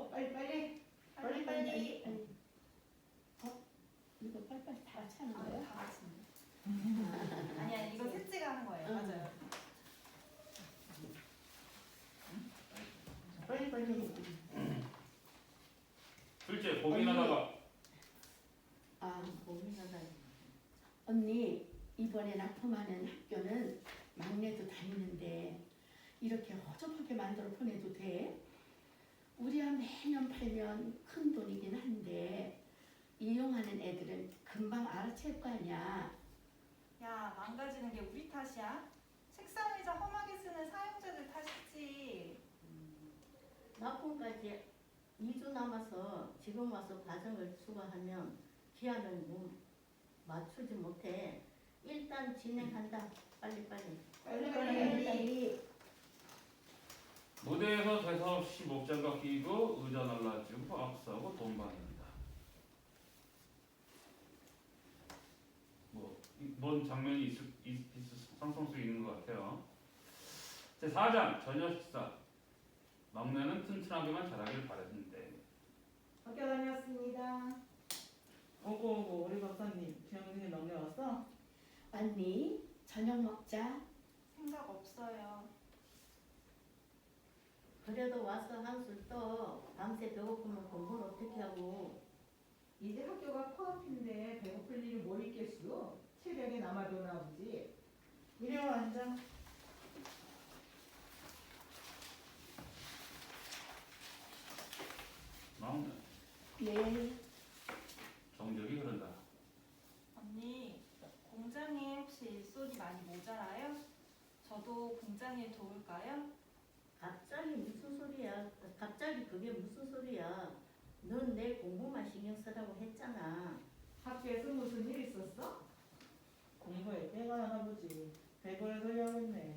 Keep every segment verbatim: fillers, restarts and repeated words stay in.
어, 빨리 빨리. 빨리 빨리. 어? 이거 빨리빨리 다 같이 하는 아, 거예요? 다 같이. 아니 아니 이거 셋째가 하는 거예요. 응. 맞아요. 빨리 빨리. 둘째 고민하다가 아, 고민하다. 언니, 이번에 납품하는 학교는 막내도 다니는데 이렇게 허접하게 만들어 보내도 돼? 우리야 매년 팔면 큰 돈이긴 한데 이용하는 애들은 금방 알아챌 거 아니야. 야 망가지는 게 우리 탓이야? 책상 의자 험하게 쓰는 사용자들 탓이지. 납품까지 이 주 남아서 지금 와서 과정을 수거하면 기한을 뭐 맞추지 못해. 일단 진행한다. 빨리빨리. 빨리 빨리 빨리. 빨리. 무대에서 대사 없이 목장갑 끼고 의자 날라주고 악수하고 돈 받는다. 뭐, 뭔 장면이 있을, 있, 있을 상상할 수 있는 것 같아요. 제사 장 저녁 식사. 막내는 튼튼하게만 자라길 바랬는데 학교 다녔습니다. 오고 오고 우리 박사님 지영이네 막내 왔어? 언니, 저녁 먹자. 생각 없어요. 그래도 와서 한술 떠. 밤새 배고프면 공부를 어떻게 하고. 이제 학교가 코앞인데 배고플 일이 뭘 있겠수? 새벽에 남아도나 보지. 이리 와 앉아. 막내 예. 정적이 흐른다. 언니 공장에 혹시 일손이 많이 모자라요? 저도 공장에 도울까요? 갑자기 무슨 소리야? 갑자기 그게 무슨 소리야? 넌 내 공부만 신경 쓰라고 했잖아. 학교에서 무슨 일 있었어? 공부에 때가 나나 보지. 배고를 설려했네.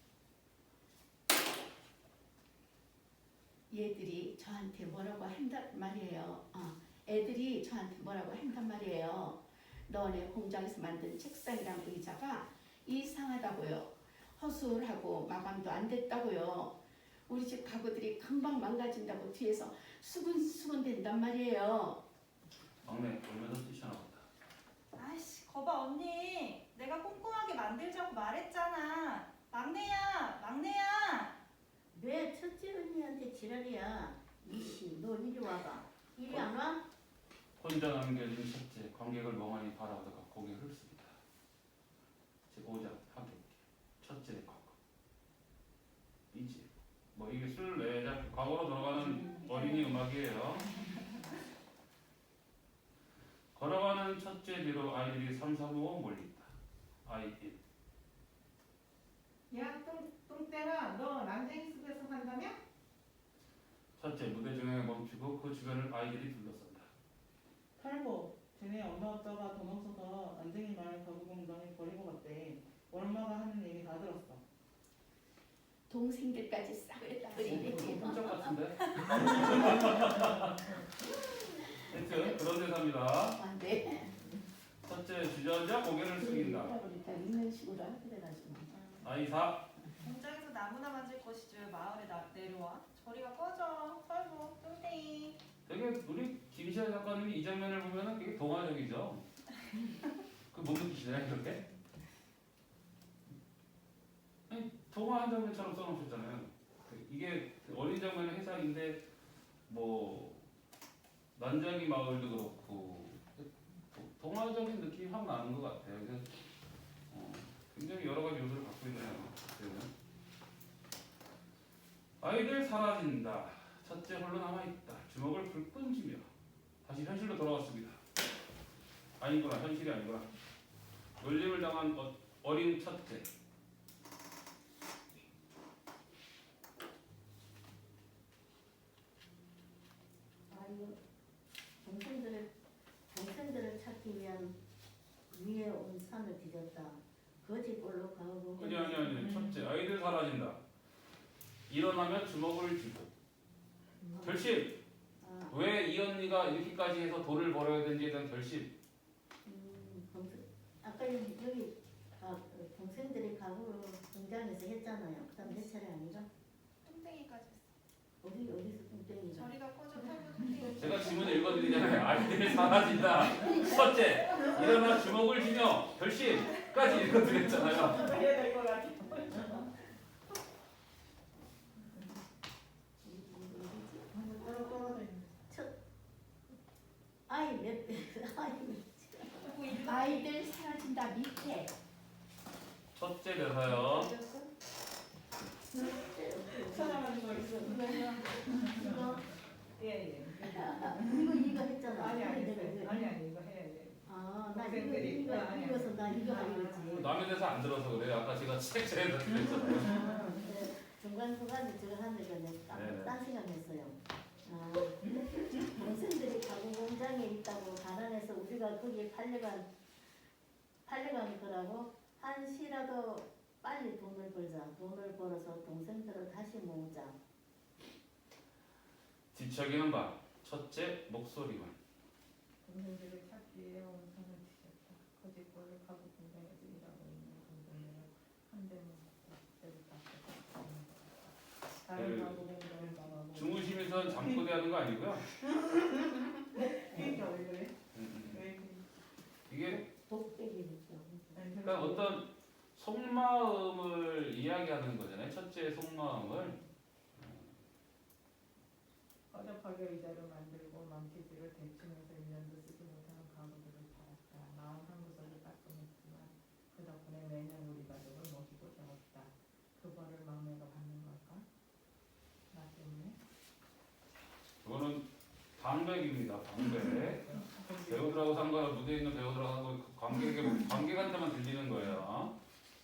얘들이 저한테 뭐라고 한단 말이에요. 어, 애들이 저한테 뭐라고 한단 말이에요. 너네 공장에서 만든 책상이랑 의자가 이상하다고요. 허술하고 마감도 안 됐다고요. 우리 집 가구들이 금방 망가진다고 뒤에서 수근수근 된단 말이에요. 막내 울면서 뛰쳐나 본다. 아이씨 거봐 언니. 내가 꼼꼼하게 만들자고 말했잖아. 막내야 막내야. 왜 첫째 언니한테 지랄이야? 이씨, 너 이리 와봐. 이리 안 와? 혼자 남겨진 첫째 관객을 멍하니 바라보다가 고개를 흡습니다. 제오장 하객 첫째 과거 이제 뭐 이게 술 내자 과거로 돌아가는 어린이 음악이에요. 걸어가는 첫째 뒤로 아이들이 삼삼오오 몰린다. 아이 일 야, 똥, 똥땡아, 너 난쟁이 숲에서 산다며? 첫째 무대 중앙에 멈추고 그 주변을 아이들이 둘러싼다. 탈보, 쟤네 엄마 아빠가 돈 없어서 난쟁이 마을 가구 공장에 버리고 갔대. 엄마가 하는 얘기 다 들었어. 동생들까지 싹을 다 버리네. 깜짝 같은데? 하여튼 그런 대사입니다. 아, 네. 첫째 주저앉아 고개를 숙인다. 그러니까 이런 식으로 하게 돼가지고. 아이 사 공장에서 나무나 만질 것이지 왜 마을에 나, 내려와? 저리가 꺼져. 털보 뚱땡이. 되게 우리 김시아 작가님이 이 장면을 보면은 되게 동화적이죠. 그 못 느끼시나요 그렇게? 아니, 동화 한 장면처럼 써놓으셨잖아요. 이게 어린 장면의 해석인데 뭐 난장이 마을도 그렇고 도- 동화적인 느낌이 확 나는 것 같아요. 그래서 어, 굉장히 여러 가지 요소를 갖고 있네요. 그때는. 아이들 사라진다. 첫째 홀로 남아있다. 주먹을 불끈 쥐며 다시 현실로 돌아왔습니다. 아니구나, 현실이 아니구나. 놀림을 당한 어, 어린 첫째. 아이고, 동생들을 동생들을 찾기 위한 위에 온 산을 뒤졌다. 거지 꼴로 가고. 아니 아니 아니. 첫째, 아이들 사라진다. 일어나면 주먹을 쥐고. 결심. 아, 왜 이 언니가 이렇게까지 해서 돈을 벌어야 되는지에 대한 결심. 음, 동생, 아까 여기, 여기 아, 동생들이 가구를 공장에서 했잖아요. 그다음 내 차례 아니가? 뚱땡이까지 했어. 어디 어디서 뚱땡이가? 저리가 꺼져. 아이들이 사라진다. 첫째, 일어나 주먹을 쥐며 결심까지 이거 드렸잖아요. 해야 될 것 같아. 떨어 떨어져 있는. 아이 몇 아이 그리고 일곱 아이들 사라진다 밑에. 첫째 대사요. 찾아가지고 있어. 이거 예 예. 이거 이거 했잖아. 아니 아니 내가 왜- 아니 아니 이거 해야 돼. 아, 나 이거 동생들이 이거 있다. 아니, 아니. 이거서 나 이거 하려고 했지. 남의 대사 안 들어서 그래요. 아까 제가 책자에다 드렸잖아요. 네, 중간 중간에 제가 하는 거는 네네. 딴 생각했어요. 아, 동생들이 가구 공장에 있다고 달아내서 우리가 거기에 팔려간 팔려간 거라고 한시라도 빨리 돈을 벌자. 돈을 벌어서 동생들을 다시 모으자. 뒤척이는 바. 첫째, 목소리만. 동생들을 찾기에 원산을 뒤졌다. 거짓말을 하고 공장에서 일하고 있는 동생을 한 대만 먹고 때를 닦고 다른 그 가구 공장을 나가고. 중우심에선 잠꼬대 하는 거 아니고요. 그러니까 왜 그래? 음, 음. 왜 그래? 이게 독백이니까. 그러니까 어떤 속마음을 이야기하는 거잖아요. 첫째 속마음을. 허접하게 의자를 만들고 망치질을 대충해서 일 년도 쓰지 못하는 가구들을 팔았다. 마음 한 구석을 따끔했지만 그 덕분에 매년 우리 가족을 모시고 배웠다. 그 벌을 막내가 받는 걸까? 나 때문에? 그거는 방백입니다. 방백. 배우들하고 상관없 무대에 있는 배우들하고 관객 관객한테만 들리는 거예요.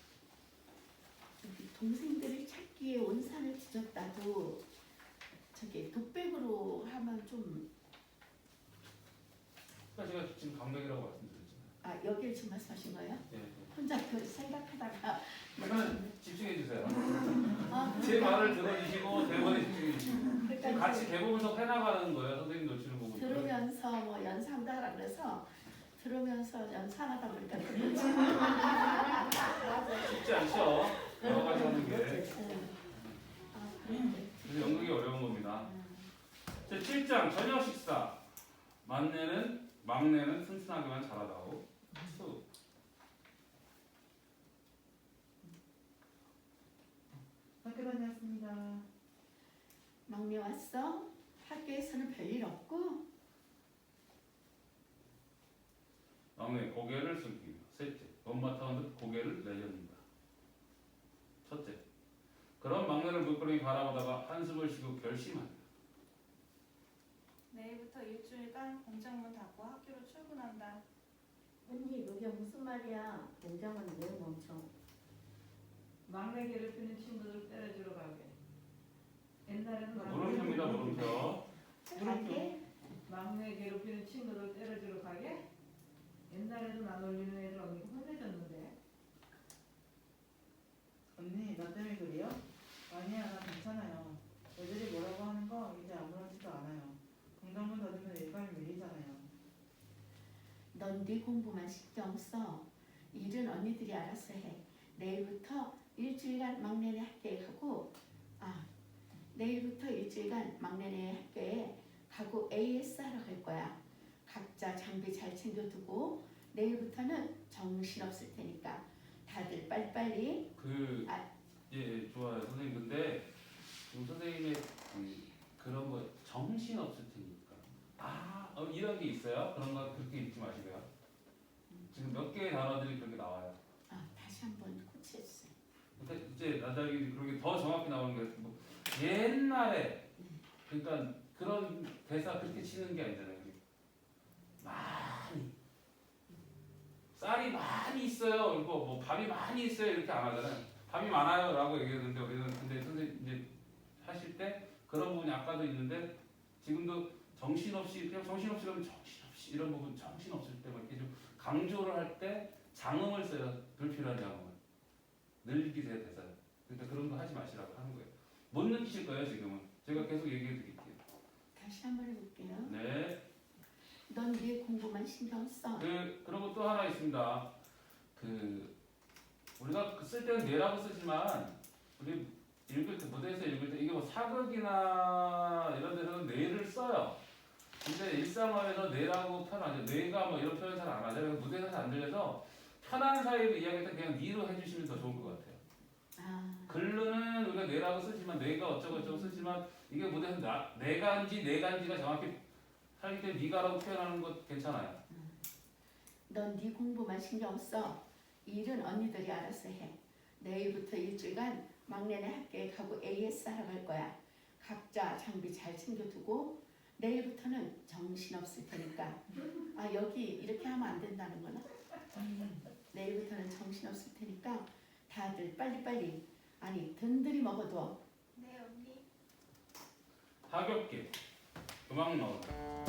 저기 동생들을 찾기에 온산을 뒤졌다도 저기 독백으로 하면 좀. 그러니까 제가 지금 강백이라고 말씀드렸잖아요. 아 여기를 지금 말씀하신 거예요? 예. 예. 혼자 그 생각하다가. 그러면 집중해 주세요. 아, 제 말을 들어주시고 대본에 집중해 주시고. 지금 그러니까 같이 개보면서 해나가는 거예요. 선생님 놓치는 부분. 들으면서 뭐 연상도 하라 그래서 들으면서 연상하다 보니까 그렇지. 쉽지 않죠. 여러 가지 하는 게. 아 그런데. 그래서 연극이 어려운 겁니다. 자, 칠 장 저녁 식사. 막내는 막내는 튼튼하게만 자라다오. 수. 학교 다녔습니다. 막내 왔어? 학교에서는 별일 없고? 막내 고개를 숙이며. 셋째 못마땅한 듯 고개를 내젓는다. 첫째 그런 막내를 물끄러미 바라보다가 한숨을 쉬고 결심한다. 내일부터 일주일간 공장문 닫고 학교로 출근한다. 언니 그게 무슨 말이야? 공장은 왜 멈춰? 막내 괴롭히는 친구들 때려주러 가게. 옛날에는 물음표입니다. 물음표. 가게? 막내 괴롭히는 친구들 때려주러 가게? 옛날에는 안 올리는 애들 언니가 혼내줬는데. 언니 나 때문에 그래요? 아니야 나 괜찮아요. 애들이 뭐라고 하는 거 이제 아무렇지도 않아요. 공장문 닫으면 일감이 밀리잖아요. 넌 네 공부만 신경 써. 일은 언니들이 알아서 해. 내일부터 일주일간 막내네 학교에 가고 아 내일부터 일주일간 막내네 학교에 가고 에이에스 하러 갈 거야. 각자 장비 잘 챙겨두고 내일부터는 정신없을 테니까 다들 빨리빨리. 그 아. 예, 예, 좋아요. 선생님 근데 지금 선생님의 그, 그런 거 정신 없을 테니까 아 어, 이런 게 있어요. 그런 거 그렇게 읽지 마시고요. 지금 몇 개의 단어들이 그렇게 나와요. 아 다시 한번 코치해주세요. 근데 이제 나중에 그런 게 더 정확히 나오는 게 뭐, 옛날에 그러니까 그런 대사 그렇게 치는 게 아니잖아요. 많이 쌀이 많이 있어요. 이거 뭐 밥이 많이 있어요. 이렇게 안 하잖아요. 밥이 많아요라고 얘기했는데 우리는 근데 선생님 이제 하실 때 그런 부분이 아까도 있는데 지금도 정신없이 그냥 정신없이 그러면 정신없이 이런 부분 정신없을 때 막 이렇게 좀 강조를 할 때 장음을 써요. 불필요한 장음을 늘리기세요 대사. 그러니까 그런 거 하지 마시라고 하는 거예요. 못 느끼실 거예요 지금은. 제가 계속 얘기해 드릴게요. 다시 한번 해볼게요. 네. 넌 네 공부만 신경 써. 그 그리고 또 하나 있습니다. 그 우리가 그 쓸 때는 네라고 쓰지만 우리 읽을 때 무대에서 읽을 때 이게 뭐 사극이나 이런 데서는 네를 써요. 근데 일상화에서 내라고 표현 안 해요. 내가 뭐 이런 표현 잘 안 하잖아요. 무대에서 잘 안 들려서 편한 사이로 이야기할 때 그냥 니로 해주시면 더 좋을 것 같아요. 아, 글로는 우리가 내라고 쓰지만 내가 어쩌고 저쩌고 쓰지만 이게 무대에서 나, 내가인지 내가인지가 정확히 하기 때문에 니가라고 표현하는 것 괜찮아요. 넌 네 공부만 신경 써. 일은 언니들이 알아서 해. 내일부터 일주일간 막내네 학교에 가고 에이에스 하러 갈 거야. 각자 장비 잘 챙겨두고 내일부터는 정신 없을 테니까. 아 여기 이렇게 하면 안 된다는 거나? 내일부터는 정신 없을 테니까 다들 빨리빨리 아니 든든히 먹어둬. 네 언니. 가볍게 음악 나오고